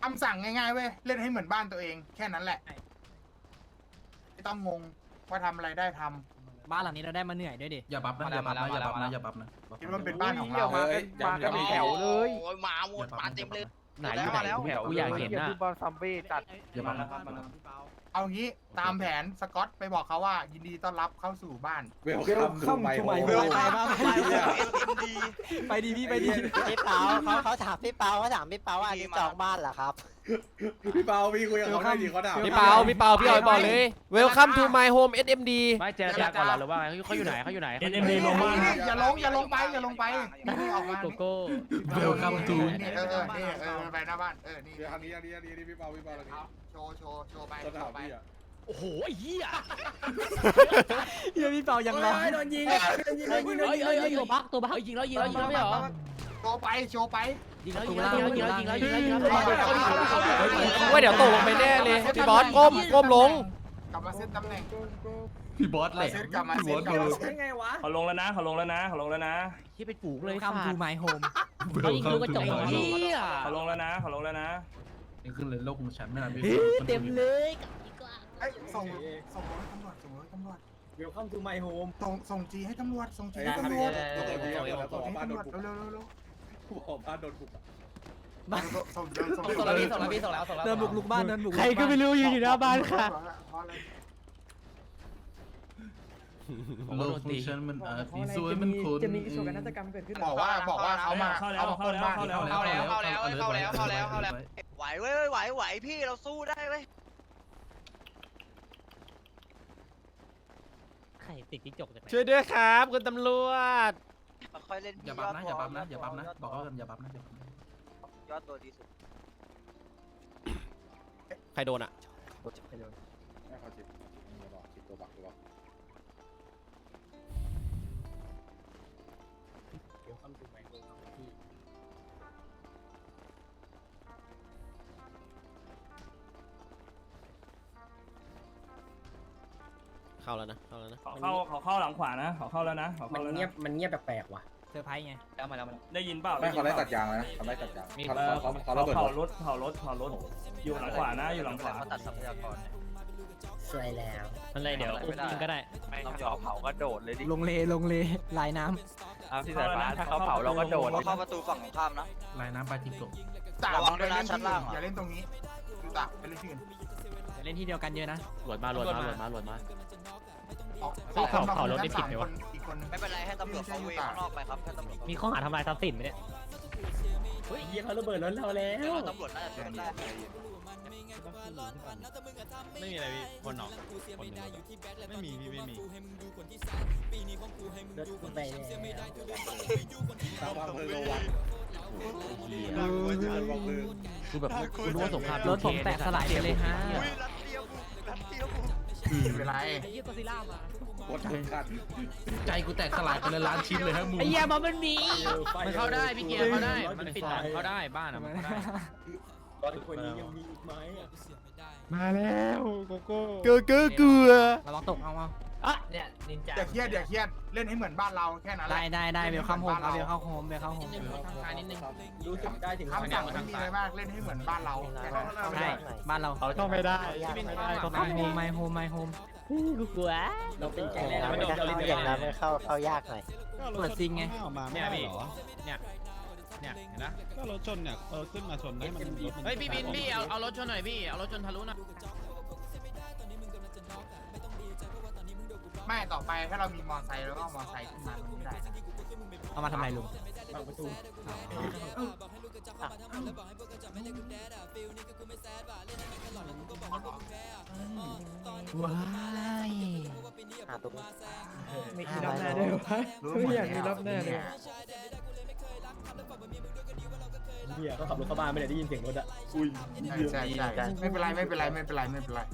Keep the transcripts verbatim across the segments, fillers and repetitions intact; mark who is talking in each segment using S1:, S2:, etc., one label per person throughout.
S1: ำสั่งง่ายๆเว้ยเล่นให้เหมือนบ้านตัวเองแค่นั้นแหละไม่ต้องงงว่าทำอะไรได้ทำ
S2: บ้านหลังนี้เราได้มาเหนื่อยด้วยดิ
S3: อย่าบับนะอย่าบับนะอย่าบับนะอย่าบับนะ
S1: คิดว่าเป็นบ้านของเรา
S4: มามากันแถวเลย
S5: โอ้ยมาหมดมาเต็มเลย
S6: ไหนอยู่ไหนแถวกูอยากเห็นนะ
S4: พี่บอลซัมบี้จัด
S3: อย่าบับนะ
S1: เอางี้ตามแผนสกอตไปบอกเขาว่ายินดีต้อนรับเข้าสู่บ้าน
S7: เวลคัมทูไมโฮม
S2: ไปบ้างไปดีพี่ไปดี
S8: พี่เปาเขาเขาถามพี่เปาเขาถามพี่เปาว่าอันนี้จองบ้านเหรอครับ
S7: พี่เปาพี่คุยกับเขาได้ดิเขาด่า
S6: พี่เปาพี่เปาพี่ออยบอกเลย Welcome to my home เอส เอ็ม ดี
S9: ไม่เจรจาก่อนเหรอหรือว่าไงเขาอยู่ไหนเขาอยู่ไหน
S10: เอ็นเอ็มดีลงมา
S1: นี่อย่าลงอย่าลงไปอย่าลงไปนี่นี่ออกมา
S9: โกโก้
S3: เวลคัมทู
S1: นี่เออเออนี่เออไปหน้าบ้านเออนี่
S7: เดี๋ยวอันนี้อันนี้อันนี้พี่เปาพี่เปาอันนี้
S1: เอาโชว์โชว์โชว์ไป
S7: ส
S1: โช
S7: ถาน
S1: ว์ไป
S7: ที่อ่ะ
S9: โอ้โหไอ้เหี้ย
S2: เฮียพี่เปายังร้อง
S9: โดนยิงเฮ้ยเฮ้ยเฮ้ยตัวบักตัวบักยิงแล้วยิงแล้วยิงแล้วไม่หรอ
S1: โชว์ไปโชว์ไป
S9: ยิงแล้วยิงแล้วยิงแล้วยิงแล้วยิงแล้วยิงแล้วยิงแล้ว
S6: ว่าเดี๋ยวตกลงไปแน่เลยพี่บอสก้มก้มลง
S1: กลับมาเซตตำแหน่ง
S3: พี่บอสแหละ
S1: เซตกลับมา
S3: พี่
S1: เซ
S3: บอ
S1: ต
S3: ส
S1: กลับมาเซต
S10: เขาลงแล้วนะเขาลงแล้วนะเขาลงแล้วนะ
S9: ที่เป็นฝูงเลย
S2: คำทูไมโฮม
S9: เขายิงลูกกระจกเหี้ย
S10: เขาลงแล้วนะเขาลงแล้วนะ
S3: นี่ขึ้นเลยโลกของฉันไม่นานพี่
S9: เต็มเลย
S1: เอ้ยส่งส่งรถตำรวจส่งรถตำรวจ
S4: เวลคัมทูไมโฮม
S1: ส่งส่งจีให้ตำรวจส่งจี
S7: ไอ้
S1: ให้
S7: ทำ
S1: ตำร
S7: ยั
S1: ว
S7: ง
S1: จ
S7: ไงแล้วต่อที่แล้วต่อ
S1: ส่ง
S7: บ้าน
S1: ให้
S7: โดน
S1: ตำรวจ
S7: บุก
S1: เร็วเร็วเร็ว
S7: บอกบ้านโดนบุก
S1: ส่งเดินส่ง
S9: ส่งแล้วพี่ส่งแล้วพี่ส่งแล้วส่งแล้ว
S2: เดินบุกลุกบ้านเดินบุก
S6: ใครก็ไม่รู้อยู่อยู่หน้าบ้านค่ะ
S3: โลกของฉันมันอาจมีสวยมันคน
S4: จะมีโศกนาฏกรรมเกิดขึ้น
S1: บอกว่าบอกว่าเขามา
S10: เข้าแล้ว
S1: เขามา
S10: เข้า
S1: คน
S10: แล้ว
S1: บ้าน
S10: เข้าแล้ว
S5: เข้าแล้วเข้าแล้วเข้าแล้วเข้าแล้วเข้าแล้วไหวเว้ยไหวไหวพี่เราสู้ได้เว้ย
S9: ไข่ติดจิ้งจกจากไหน
S6: ช่วยด้วยครับคุณตำรวจ
S5: ค่อยเล่น
S3: อย่าบับนะอย่าบับนะอย่าบับนะบอกเขากันอย่าบับนะอย่าบับนะ
S5: ยอดตัวดีสุด
S6: ใครโดนอ่ะ
S7: ไม่เขาจิบบอกจิบตัวบักตัวบัก
S6: เข้าแล้วนะเข้าแล้วนะ
S10: เขาเข้าเขาเข้าหลังขวานะเขาเข้าแล้วนะเขา
S4: มัน
S10: เข้าแล้ว
S4: เงียบ
S10: นะ
S4: มันเงียบแปลกๆว่ะ
S2: เซอร์ไพรส์ไง
S9: แล้วมาแล้วมา
S10: ได้ยินเปล่า
S7: ไม่เขาไล่ตัดยางนะเขาไล่ตัดยางเขาเขาเขาระเบิด
S10: เผารถเผารถเผารถอยู่หลังขวานะอยู่หลังขวา
S5: เขาตัดทรัพยากร
S4: สวยแล้ว
S9: อะไรเดี๋ยวอุ้มยิงก็ได้
S5: ไม่ต้องยอมเผาก็โดดเลยดิ
S2: ลงเลลงเลลายน้
S5: พี่สายฟ้าถ้าเขาเผาเราก็โดดเข้าประตูฝั่งของข้ามนะ
S3: ลายน้ำปลาจิงโก
S1: ระวังด้วยนะชั้นล่างอย่าเล่นตรงนี้ดูตาไปเล่นที่อื่น
S2: ำจะเล่นที่เดียวกันเยอะนะ
S9: หลวดมาหลวดมาหลวดมาหลวดมา
S1: สองคน
S9: เผารถได้ผิดไหมวะ
S1: อีกคน
S5: ไม่เป็นไรให้ตำรวจเขาเวข้างนอกไปครับให้ตำรวจ
S9: มีข้อหาทำลายทรัพย์สินไหมเนี่ย
S4: เฮ้ยเฮียเขาระเบิดรถเราแล้ว
S5: ตำรวจน่าจะช่วยได้
S9: ไม่มีอะไรพี่คนหนอกไม่มีพี่ไม่มี
S4: รถกูไปแล้ว
S7: ตามวางเพลิงระวัง
S9: เหี้ย
S7: วางเพลิงวางเพลิง
S9: คือแบบกูรู้ว่าสงคราม
S2: รถผมแตกสลายไปเลยฮะ
S5: อุ้ยรัดเตียวบุกรัดเตียวบุก
S1: ไม่เป็นไร
S9: ไอ้ยี่ตัวซีล่ามา
S7: กดทั้งคัน
S3: ใจกูแตกสลายไปเลยล้านชิ้นเลยฮะมึง
S9: ไอ้เหี้ยมันมีมันเข้าได้พี่เกียร์เข้าได้มันปิดหลังเข้าได้บ้านอ่ะมันเข้าได้
S4: ตอนคนนี้ยังมีอีกไหม
S6: มาแล้วโกโก้เกลือเกลือเกลือ
S2: ระวังตกเอาเอา
S9: อ่ะเนี่ยนินจา
S1: อย่าเครียดอย่าเครียดเล่นให้เหมือนบ้านเราแค่นั้นแห
S2: ได้
S1: ละ
S2: ได้ได้เวลคัมโฮมครับเวลคัมโฮมเวลคัมโฮม
S9: ทางนิดนึง
S4: รู้สึกได้ถึง
S1: คำสั่งไม่มีอะไรมากเล่นให้เหมือนบ้านเราแค่นั้น
S2: ใช่บ้านเรา
S6: เขาเข้าไม่ได้
S2: ไมโฮมไมโฮมไมโฮม
S9: กูกลัว
S4: เราเป็นแก๊งแรก
S8: ไม่ได้เข้าอย่างนั้นเข้าเข้ายากหน่อย
S2: เปิดซิงไง
S9: เนี่ยพี่เนี่ยเนี่ยเห็นนะ
S10: ก็รถชนเนี่ยเออขึ้นมาชนให้มันรถมัน
S9: เฮ้ยพี่บินพี่เอาเอารถชนหน่อยพี่เอารถชนทะลุหน่อย
S1: ไม่ต่อไปถ้าเรามีมอไซค์แล้วก็เอามอไซค์ขึ้นมามันไม่ได้นะ
S2: เอามาทำไมลุง
S4: บางประตู
S2: ว้าย
S8: หาตรง
S4: ไม่มีรับแน่ด้วยวะ
S1: รู้หมดแล้ว
S4: เฮียเขาขับรถเข้าบ้านไม่ได้ได้ยินเสียงรถอ่ะ
S7: อุ้ย
S1: ใช่ใช่ใช่ไม่เป็นไรไม่เป็นไรไม่เป็นไรไม่เป็นไร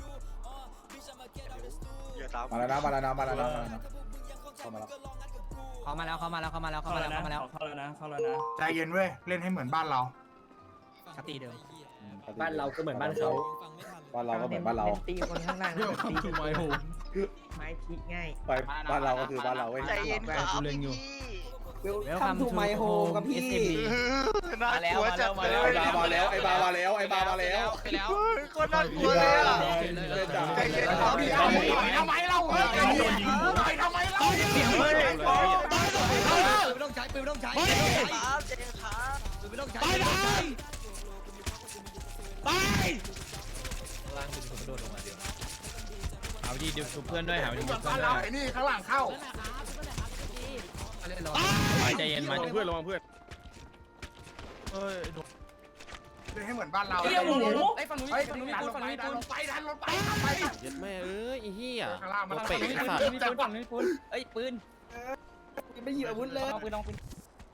S5: อย่าตาม
S7: มาแล้วนะมาแล้วนะมาแล้วนะมาแล้วนะเข้ามาแล้ว
S2: เขามาแล้วเขามาแล้วเขามาแล้วเขา
S10: เข้า
S2: มา
S10: แล้
S2: แล้ว ว
S10: นะ
S2: เขามาแล้ว
S10: เข้าแล้วนะเข้าแล้วนะ
S1: ใจเย็นเว้ยเล่นให้เหมือนบ้านเรา
S2: สติเดิม
S4: บ้านเราก็เหมือนบ้านเขา
S7: บ้านเราก็เหมือนบ้านเรา
S4: ตีคนข้างล่าง
S3: เวลคัมทูไมโฮม
S4: ไม้พลิกง่าย
S7: ไปบ้านเราก็คือบ้านเราเว้ย
S5: ใจเย็นครับพี่
S2: เวลคัมทูไมโฮมกับพี่
S5: น่ากลัวจัดเลย
S7: ไอ้บามาแล้วไอ้บามาแล้วไอ้บามาแล้ว
S5: ไปแล้วคนน่ากลัวเลยอ่ะ
S1: ใจเย็นครับพี่เอาต่อยทำไมเราเฮ้ยต่อยทำไมเราเสียงเลย
S2: ไม่ต้องใช้ปืนไม่ต้องใช้
S5: ครับเจนครับ
S2: ปืนไม่ต้องใช้ไปเลยไป
S9: ล่างคุณกระโดดลงมาเดียวหาวิธีเดียวชุบเพื่อนด้วยหาวิธี
S1: เหมื
S9: ชุ
S1: อบ น
S9: เพื่
S1: บ้า
S9: อน น
S1: เรา
S9: ด้วย
S1: ไอ้นี่ข้างหลังเข้า
S9: ไปใจเย็นมา
S10: เพื่อนระวังเพื่อน
S1: เลยให้เหมือนบ้านเรา
S2: เดี๋ยวหมู
S1: ไอ้ฝั่งนู้นฝั่งนู้นฝั่งนู้นดันลงไปดันลงไปดันลงไป
S6: เย็ดแม่เอ้ยไอ้เหี้ย
S1: ข้างล่างมัน
S6: ตัวเป๋ไอ้สัตว์
S2: มีปืนฝั่งนี้ปืนเอ้ยปืนไม่หยิบอาวุธเลยเอาปืนเอาปืน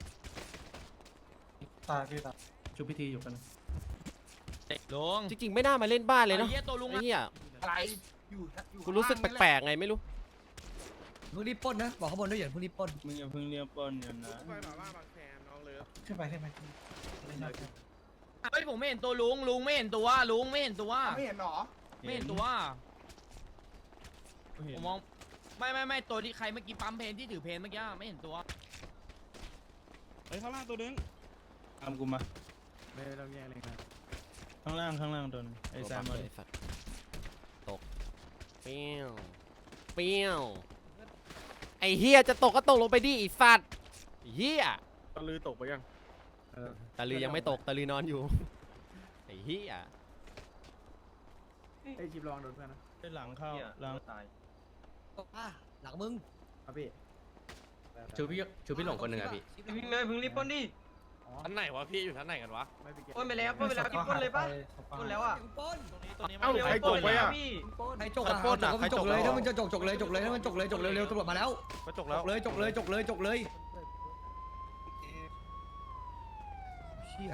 S3: ชุบพิธีอยู่กัน
S9: ลง
S6: จริงๆไม่น่ามาเล่นบ้านเลยเนาะ
S9: ไอ้เหี้ยตัวลุง
S6: ไอ้เหี้ย
S1: อะไรอยู่อยู่
S6: กูรู้สึกแปลกๆไงไม่รู้
S2: เพิ่งรีบปล้นนะบอกข้างบนด้วยอย่าเพิ่งรีบปล้น
S10: มึงอย่าเพิ่งเรียกปนกันนะ
S1: ขึ้นไปขึ้นไป
S9: เฮ้ยผมไม่เห็นตัวลุงลุงไม่เห็นตัวลุงไม่เห็นตัว
S1: ไม่เห็นหรอ
S9: ไม่เห็นตัวผมมองไม่ไม่ไม่ตัวที่ใครเมื่อกี้ปั๊มเพนที่ถือเพนเมื่อกี้ไม่เห็นตัว
S10: เฮ้ยข้างล่างตัวนึงตามกูมาไม่ต้องแยกเลยนะข้างล่างข้างล่างตัวนึงไอ้แซมมา
S6: ไอ้สัตว์ตกเปี้ยวเปี้ยวไอ้เหี้ยจะตกก็ตกลงไปดิไอ้สัตว์ไอ้เหี้ย
S10: ตะลือตกไปยัง
S6: ตาลือยังไม่ตกตาลือนอนอยู่ไอ้เหี้ย
S3: ไอ้ชิบลองโดนเพื่อนนะ
S10: ได้หลังเข้าหลัง
S2: อ่ะหลังมึง
S3: ครับพี่
S6: ชูพี่ชูพี่หลงคนหนึ่งอะพี่
S5: วิ่งเลยพึ่งรีบปนดิ
S6: ท่านไหนวะพี่อยู่ท่านไหนกันวะ
S5: ปนไปแล้วปนไปแล้วกินปนเลยปะปนแล้วอ่ะ
S2: ปล้น
S10: เอ้าใครตกไปอ่ะ
S5: พี่
S2: ใครจกอ่ะจกก็จกเลยถ้ามันจะจกจกเลยจกเลยถ้ามันจกเลยจกเลยเร็วตำรวจมาแล้ว
S6: ก็จก
S2: จ
S6: แล้ว
S2: กเลยจกเลยจกเลยจกเลยเชี่ย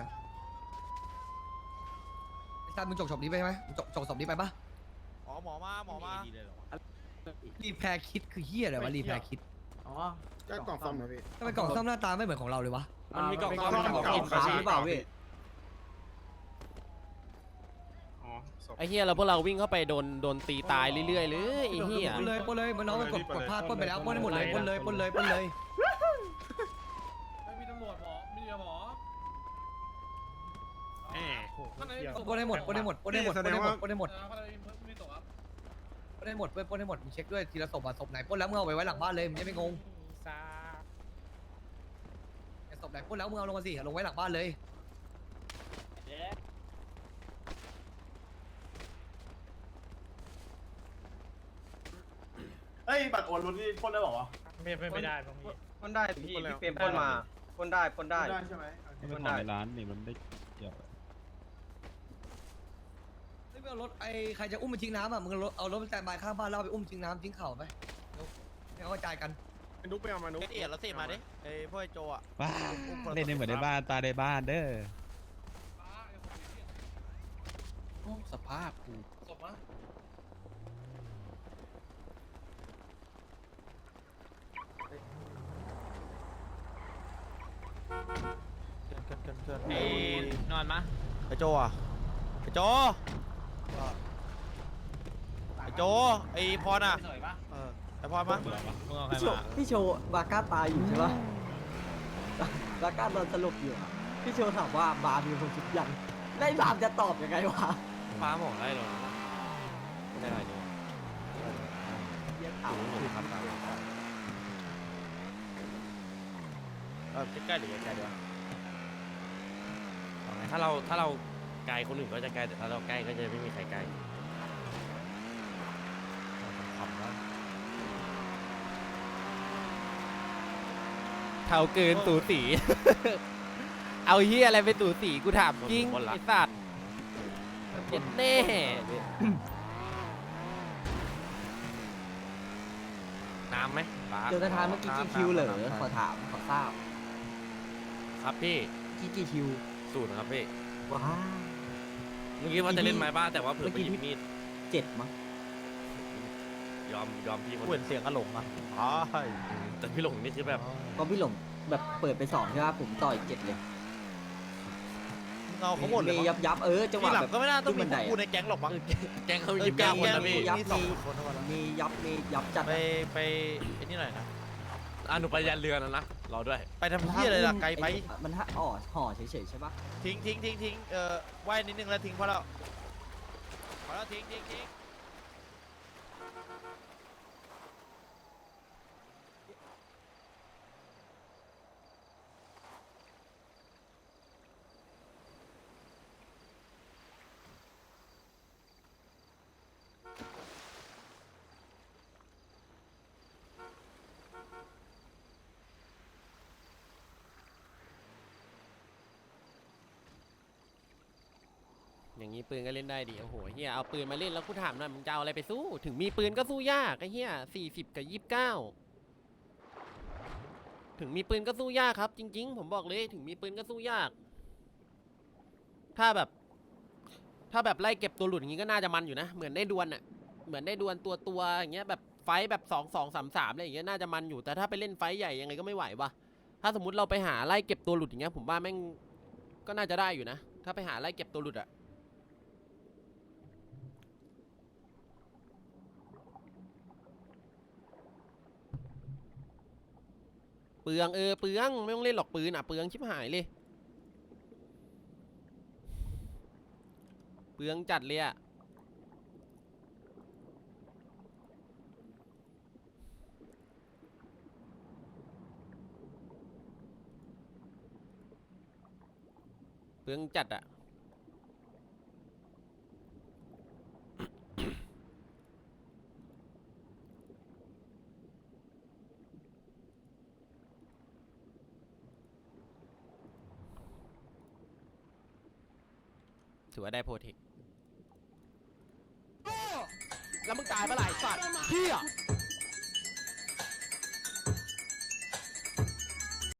S2: ไอ้ซันมึงจกศพนี้ไปไหมจกจกศพนี้ไปปะ
S6: อ๋อหมอมาหมอมา
S2: รีแพรคิดคือเฮียอะไรวะรีแพรคิด
S3: อ๋อ
S7: ก็กล่องซ่อมนะพี่
S2: ทำไมกล่องซ่อมหน้าตาไม่เหมือนของเราเลยวะ
S6: มันมีกล่อง
S3: เป็น
S6: ซ่อม
S3: กล่อง
S6: กล่อง
S3: ซ่อม
S6: อิน
S3: หรือเปล่าพี่
S10: อ๋อศพ
S6: ไอ้เหี้ยเราพวกเราวิ่งเข้าไปโดนโดนตีตายเรื่อยๆเลยไอ้เหี้ย
S2: ปล้นเลยปล้นเลยมันน้องมันกดกดพลาดปล้นไปแล้วปล้นให้หมดเลยปล้นเลยปล้นเลยปล้นเลย
S9: มีตำรวจหมอมีหมอ
S2: ปล้นให้หมดปล้นให้หมดปล้นให้หมดปล้นให้หมดปล้นให้หมดปล้นให้หมดเว้ยปล้นให้หมดมึงเช็คด้วยทีละศพอ่ะศพไหนปล้นแล้วมึงเอาไว้ไว้หลังบ้านเลยมึงจะไม่งงศพไหนปล้นแล้วมึงเอาลงมาสิลงไว้หลังบ้านเลย
S10: เฮ้ยบัตรโอนรถนี่พ่นได้หรอวะ
S9: ไม่ไม่ได้ตรงนี้
S5: ปนได้พี่พี่เฟรมปนมาปนได้ปนได้
S10: ได้ใช่ไหม
S5: ปนได้
S10: ร้านนี่มันได้เกี่ยว
S2: เฮ้ยมึงเอารถไอ้ใครจะอุ้มไปทิ้งน้ำอ่ะมึงเอารถเอารถไปแตนบายข้างบ้านแล้วเอาไปอุ้มทิ้งน้ำทิ้งเข่าไปให้เขากระจายกัน
S10: นุ๊กไปเอามานุ๊ก
S6: เอียดแล้วสิมาดิไอ้พ่อไอ้โจอ่ะ
S11: ว้าเล่นในเหมือนในบ้านตาในบ้านเด้อ
S3: สภาพกู
S9: ไอ้นอนมะ
S6: ไอ้โจอ่ะไอ้โจไอ้โจไอ้พรอ่ะเออไอ้พรมา
S9: มึงเอาใครมา
S8: พี่โชว์บาก้าตายอยู่ใช่ปะบาก้าโดนสลบอยู่อะพี่โชว์ถามว่าบาร์มีคนชุดยังได้บาร์จะตอบยังไงวะ
S6: ฟ้าหมองได้หรอไม่ได้อะไรนี่
S8: เรียกถาม
S6: เออใกล้ๆหรือไกลๆดีวะเอาไงถ้าเราถ้าเราไกลคนอื่นก็จะไกลแต่ถ้าเราใกล้ก็จะไม่มีใครใกล้ขำแล้วเท่าเกินตูสี เอาเฮียอะไรไปตูสีกูถามจริงไอ้สัตว์เจ็ดแน่น้ำไหม
S8: เจอกันทานเมื่อกี้กี่คิวเหรอขอถามขอทราบ
S6: ครับพี่
S8: กี่กี่คิว
S6: สูตรครับพี่
S8: ว้า
S6: เมื่อกี้ว่าจะเล่นไม้บ้านแต่ว่าเผื่อไปหยิบมีด
S8: เจ็ดมั้ง
S6: ยอมยอมพี่คนเปลี่ยนเสียงกระหลงอ่ะอ๋อแต่พี่หลงนี่คือแบบ
S8: ก็พี่หลงแบบเปิดไปสองใช่ปะผมต่ออีกเจ็ดเลย
S6: เงาเขาหมดเลย
S8: มียับยับเออจังห
S6: พี่
S8: วะ
S6: หลัง
S8: แบบ
S6: ก็ไม่น่าต้องมี
S8: ขึ้นบันได
S6: กูในแก๊งหรอกมั้งแก๊งเขายิบเก้าคนนะพี่
S8: มียับมีมียับมียับจัด
S6: ไปไปไอ้นี่หน่อยนะอ่ะหนูไปยันเรือนะนะรอด้วย
S9: ไปทำเพี้ยอะไรล่ะไกลไป
S8: มันห่อห่อเฉยๆใช่ปะ
S9: ทิ้งทิ้งทิ้งทิ้งเอ่อว่ายนิดนึงแล้วทิ้งพอแล้วพอแล้วทิ้งทิ้งทิ้ง
S6: อย่างนี้ปืนก็เล่นได้ดิโอ้โหเฮียเอาปืนมาเล่นแล้วกูถามหน่อยมึงจะเอาอะไรไปสู้ถึงมีปืนก็สู้ยากไอ้เฮียสี่สิบกับยี่สิบเก้าถึงมีปืนก็สู้ยากครับจริงๆผมบอกเลยถึงมีปืนก็สู้ยาก ถ้าแบบ ถ้าแบบไล่เก็บตัวหลุดอย่างงี้ก็น่าจะมันอยู่นะเหมือนได้ดวลอะเหมือนได้ดวลตัวตัวอย่างเงี้ยแบบไฟแบบสองสองสามสามอะไรอย่างเงี้ยน่าจะมันอยู่แต่ถ้าไปเล่นไฟใหญ่ยังไงก็ไม่ไหววะถ้าสมมติเราไปหาไล่เก็บตัวหลุดอย่างเงี้ยผมว่าแม่งก็น่าจะได้อยู่นะถ้าไปหาไล่เก็บตัวหลุดอะเปลืองเออเปลืองไม่ต้องเล่นหรอกปืนอ่ะเปลืองชิบหายเลยเปลืองจัดเลยอ่ะเปลืองจัดอ่ะถือว่าได้โปรเทคแล้วมึงตายเมื่อไหร่สัตว์เฮีย